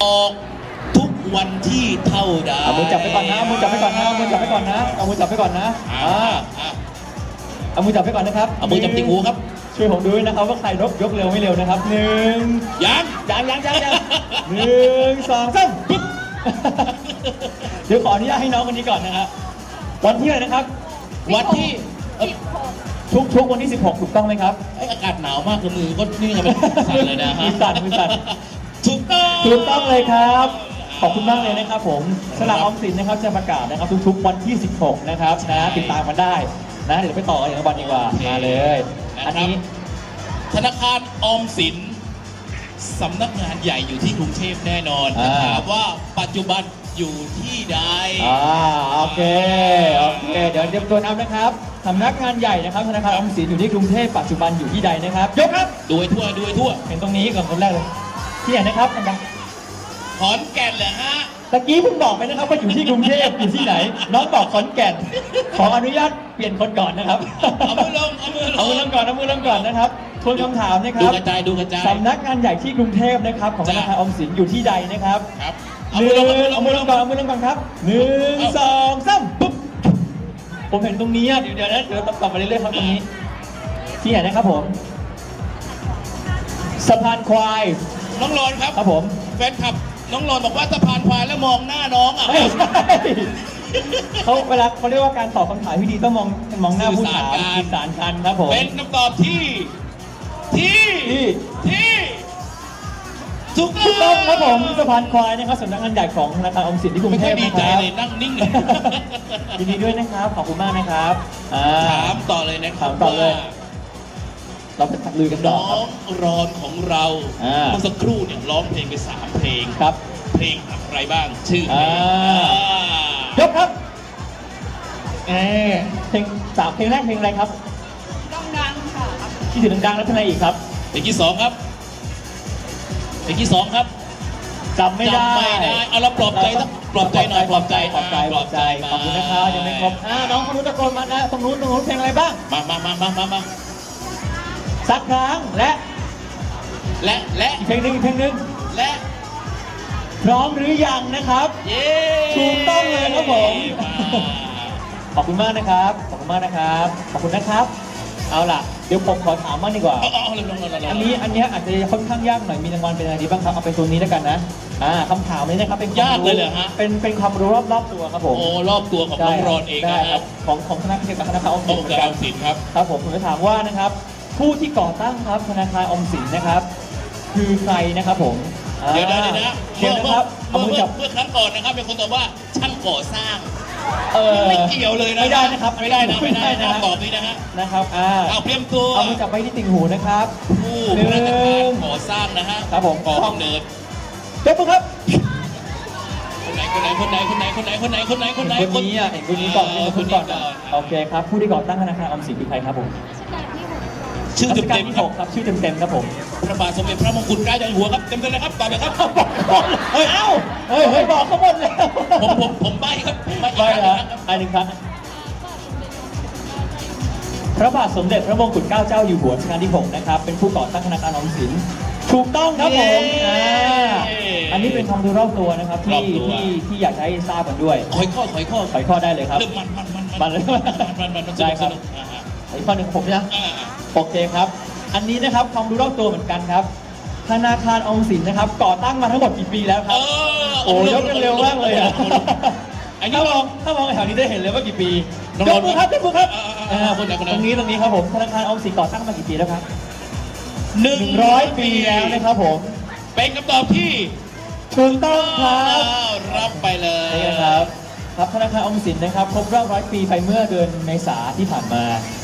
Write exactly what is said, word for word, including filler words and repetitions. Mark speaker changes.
Speaker 1: ออกทุกวันที่เท่าใด
Speaker 2: เอามือจับไปก่อนนะเอามือจับไปก่อนนะเอามือจับไปก่อนนะเอามือจับไปก่อนนะอ่าเอามือจับไปก่อนนะครับ
Speaker 1: เอามือจับติ่งหูครับ
Speaker 2: ช่วยผมดูด้วยนะครับว่าใครยกยกเร็วไม่เร็วนะครับหนึ่ง
Speaker 1: ยัง
Speaker 2: ยังยังยังยังหนึ่งสองสามปึ๊บเดี๋ยวขออนุญาตให้น้องคนนี้ก่อนนะครับวันที่อะไรนะครับ
Speaker 1: วันที่
Speaker 2: ทุกทุกวันที่สิบหกถูกต้องไหมครับ
Speaker 1: อากาศหนาวมากเลยมือก็นี่กันเป็นสั่นเลยนะฮะ
Speaker 2: มือสั่นมือสั่น
Speaker 1: ถูกต้อง
Speaker 2: ถูกต้องเลยครับขอบคุณมากเลยนะครับผมสลากออมสินนะครับจะประกาศนะครับทุกๆวันที่สิบหกนะครับนะติดตามกันได้นะเดี๋ยวไปต่ออย่างวันดีกว่ามาเลยอันนี้
Speaker 1: ธนาคารออมสินสำนักงานใหญ่อยู่ที่กรุงเทพแน่นอนถามว่าปัจจุบันอยู่ที่ใด
Speaker 2: อ่าโอเคโอเคเดี๋ยวเตรียมตัวนับนะครับสำนักงานใหญ่นะครับธนาคารออมสินอยู่ที่กรุงเทพปัจจุบันอยู่ที่ใดนะครับยกครับ
Speaker 1: ดูทั่วดูทั่ว
Speaker 2: เห็นตรงนี้ก่อนคนแรกเลยที่ไหนนะครับดัง
Speaker 1: ขอนแก่นเหรอฮะ
Speaker 2: ตะกี้เพิ่งบอกไปนะครับว่าอยู่ที่กรุงเทพอยู่ที่ไหนน้องบอกขอนแก่นขออนุญาตเปลี่ยนคนก่อนนะครับ
Speaker 1: เอามือลงเอามือลง
Speaker 2: เอามือลงก่อนเอามือลงก่อนนะครับทวนคำถามนะครับ
Speaker 1: ดูกระจายดูกระจาย
Speaker 2: สำนักงานใหญ่ที่กรุงเทพนะครับของธนาคารออมสินอยู่ที่ใดนะครับ
Speaker 1: ครับ
Speaker 2: หนึ่งเอามือลงก่อนเอามือลงก่อนครับหนึ่งสองสามปุ๊บผมเห็นตรงนี้เดี๋ยวเดี๋ยวนะเดี๋ยวต่อไปเรื่อยๆครับตรงนี้ที่ไหนนะครับผมสะพานควาย
Speaker 1: น้องรอนครับ
Speaker 2: ครับผม
Speaker 1: แฟนคลับน้องรอนบอกว่าสะพานควายแล้วมองหน้าน้องอ่ะ
Speaker 2: ไม่ใช่เขาเวลาเขาเรียกว่าการตอบคำถามที่ดีต้องมองมองหน้าผู้ถามสื่อสารกันครับผม
Speaker 1: เป็นคำตอบที่ที่ที่ถูก
Speaker 2: ต้องครับผมสะพานควายนะครับสำนักงานใหญ่ของธนาคารออมสินที่กรุงเทพนะครับ
Speaker 1: ไม่ค่อยดีใจเลยนั่งนิ่งเลย
Speaker 2: ยินดีด้วยนะครับขอบคุณมากนะครับ
Speaker 1: ถามต่อเลยนะ
Speaker 2: ถามต่อเลยเราไปลุยกันต่อ
Speaker 1: น้องรอนของเราเมื่อสักครู่เนี่ยร้องเพลงไปสามเพลง
Speaker 2: ครับ
Speaker 1: เพลงอะไรบ้างชื่อเพลง
Speaker 2: ยกครับเออเพลงสามเพลงแรกเพลงอะไรครับ
Speaker 3: ดังๆค่ะ
Speaker 2: ที่ถึงดังๆแล้วเพลงอะไรอีกครับ
Speaker 1: เพลงที่สองครับเพลงที่สองครับ
Speaker 2: จำไม่ได้
Speaker 1: เอาเราปลอบใจต้องปลอบใจหน่อยปลอบใจ
Speaker 2: ปลอบใจปลอบใจขอบคุณนะครับยังไม่ครบน้องคนนู้นตะโกนมานะตรงนู้นตรงนู้นเพลงอะไรบ้าง
Speaker 1: มามามามามามา
Speaker 2: สักครั้งและ
Speaker 1: และและ
Speaker 2: อีกเพลงหนึ่งอีกเพลงหนึ่ง
Speaker 1: และ
Speaker 2: พร้อมหรือยังนะครับ
Speaker 1: เย้
Speaker 2: ถูกต้องเลยครับผมขอบคุณมากนะครับขอบคุณมากนะครับขอบคุณนะครับเอาล่ะเดี๋ยวผมขอถามบ้างดีกว่าอันนี้อันนี้อาจจะค่อนข้างยากหน่อยมีรางวัลเป็นอะไรดีบ้างครับเอาเป็นตัวนี้แล้วกันนะอ่าคำถามนี้นะครับเป็น
Speaker 1: ยากเลยเหรอฮะ
Speaker 2: เป็นเป็นความรู้รอบรอบตัวครับผม
Speaker 1: โอ้รอบตัวของน้องรอนเอง
Speaker 2: นะครับของของธนาคารธนาคารออม
Speaker 1: สินครับ
Speaker 2: ครับผมผมจะถามว่านะครับผู้ที่ก่อตั้งครับธนาคารออมสินนะครับคือใครนะครับผม
Speaker 1: เดี๋ยวเดี๋ยวนะ
Speaker 2: เดี๋ยวนะครับ
Speaker 1: เมื่อเมื่อครั้งก่อนนะครับเป็นคนตอบว่าช่างก่อสร้าง
Speaker 2: เออ
Speaker 1: ไม่เกี่ยวเลยนะ
Speaker 2: ไม่ได้นะครับ
Speaker 1: ไม่ได้นะไม่ได้นะตอบนี้นะฮะ
Speaker 2: นะครับอ่า
Speaker 1: เอาเตรียมตัว
Speaker 2: เอามือจับไปที่ติ่งหูนะครับ
Speaker 1: ผู้พนักงานก่อสร้างนะฮะ
Speaker 2: ครับผม
Speaker 1: ก่อกำเนิด
Speaker 2: เจ้าปุ๊ครับ
Speaker 1: คนไหนคนไหนคนไหนคนไหนคนไหนคนไหนคนไหนคนไหน
Speaker 2: คนนี้อ่ะเห็นคนนี้ก่อนคนก่อนโอเคครับผู้ที่ก่อตั้งธนาคารออมสินคือใครครับผม
Speaker 1: ชื่อเต็มเต็ม
Speaker 2: ครับครับชื่อเต็มเต็มครับผม
Speaker 1: พระบาทสมเด็จพระมงกุฎเกล้าเจ้าอยู่หัวครับเต็มเต็มเลยครับตอบเลยครับ
Speaker 2: เฮ้ยเอ้าเฮ้ยเฮ้ยบอกเขาหมดแล้ว
Speaker 1: ผมผมผมใบ้ครับ
Speaker 2: ใบ้เหรออันหนึ่งครับพระบาทสมเด็จพระมงกุฎเกล้าเจ้าอยู่หัวรัชกาลที่หกนะครับเป็นผู้ก่อตั้งธนาคารออมสินถูกต้องครับผมอันนี้เป็นความรู้รอบตัวนะครับที่ที่ที่อยากให้ทราบกันด้วย
Speaker 1: ขอยข้อขอยข้อ
Speaker 2: ขอยข้อได้เลยครับ
Speaker 1: มันมันมัน
Speaker 2: มันเลย
Speaker 1: มันมันมัน
Speaker 2: ได้ครับอีกข้อหนึ่งผมนะโอเคครับอันนี้นะครับความรู้รอบตัวเหมือนกันครับธนาคารออมสินนะครับก่อตั้งมาทั้งหมดกี่ปีแล้วครับโอ้ยกกันเร็วมากเลยอ่ะถ้ามองถ้ามองแถวนี้ได้เห็นเลยว่ากี่ปียกมือครับยกมือครับตรงนี้ตรงนี้ครับผมธนาคารออมสินก่อตั้งมากี่ปีแล้วครับหนึ่งร้อยปีแล้วนะครับผม
Speaker 1: เป็นคำตอบที่
Speaker 2: ถูกต้องครับ
Speaker 1: รับไปเลย
Speaker 2: นี่นะครับครับธนาคารออมสินนะครับครบรอบร้อยปีไปเมื่อเดือนเมษาที่ผ่านมา